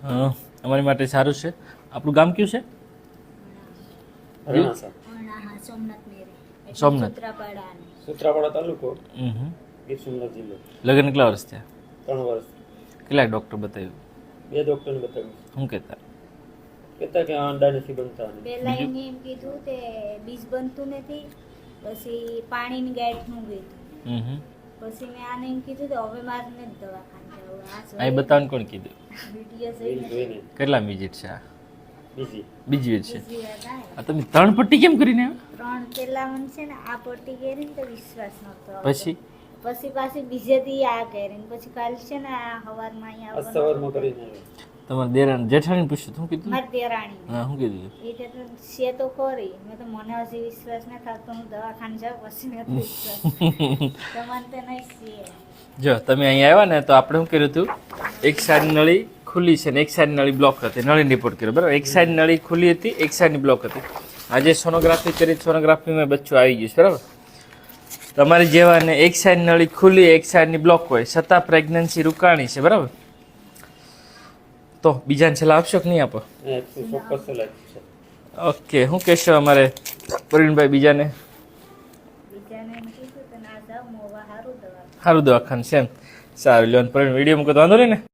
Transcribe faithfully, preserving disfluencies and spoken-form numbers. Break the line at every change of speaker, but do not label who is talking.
હા અમારી માટે સારું છે. આપણું ગામ કયું છે?
રણાસા
અણાહા સોમનાથ મેરે એટલે
સોમનાથ.
સૂત્રાપાડા અને
સૂત્રાપાડા તાલુકો
હમ
ગીર સોમનાથ જિલ્લો.
લગ્ન કેટલા વર્ષ થયા?
ત્રણ વર્ષ
કેટલાક ડૉક્ટર બતાવ્યું?
બે ડોક્ટરને બતાવ્યું.
શું કહેતા?
કહેતા કે આ અંડા નથી બનતા ને.
પહેલા એને એમ કીધું તે બીજ બનતું નથી, પછી પાણીની ગાંઠનું કીધું,
હમ
પછી મેં આને એમ કીધું તો હવે મારે નથી દવાખાને જવું. આ
અહીં બતાવવાનું કોણ કીધું?
વિડીયો
રીલ
જોઈને
જોઈને
કેટલા વિઝિટ છે આ?
બીજી
બીજી વીજ છે.
બીજી વાર આવ્યા.
આ તમે ત્રણ પટ્ટી કેમ કરીને આવ્યા?
ત્રણ પેલા મને છે ને આ પટ્ટી કરી ને તો વિશ્વાસ નતો આવતો.
પછી
પછી પાછી બીજે દી આ કરી ને પછી કાલ છે ને આ હવારમાં અહીંયા
આજ સવારમાં કરીને આવ્યો.
તમારા દેરાણી જેઠાણી પૂછ્યું શું કીધું?
મારી દેરાણી
હા શું કીધું?
એ તો છે તો ખરી, મેં તો મને હજી વિશ્વાસ ન થતો, હું દવાખાને જાઉં પછી નથી વિશ્વાસ. તમને તો નહીં છે.
જો તમે અહીંયા આવ્યા ને તો આપણે શું કર્યું હતું, એક સાઈડ નળી ખુલ્લી છે ને એક સાઈડ નળી બ્લોક હતી, નળી રિપોર્ટ કર્યો બરાબર. એક સાઈડ નળી ખુલ્લી હતી, એક સાઈડની બ્લોક હતી. આજે સોનોગ્રાફી કરી, સોનોગ્રાફીમાં બચ્ચું આવી ગયું છે બરાબર. તમારી જેવાને એક સાઈડ નળી ખુલ્લી એક સાઈડની બ્લોક હોય છતાં પ્રેગ્નન્સી રૂકાણી છે બરાબર. તો બીજાને છેલ્લા આપશો કે નહીં આપો?
એ ચોક્કસ સલાહ છે.
ઓકે શું કહેશો અમારે પ્રવીણભાઈ બીજાને?
બીજાને એમ કીધું તો ના જાઉં મોવા સારું દવા.
સારું દવાખાનું છે એમ. સારું લ્યો પ્રવીણ વિડીયો મૂકો તો વાંધો નહીં ને?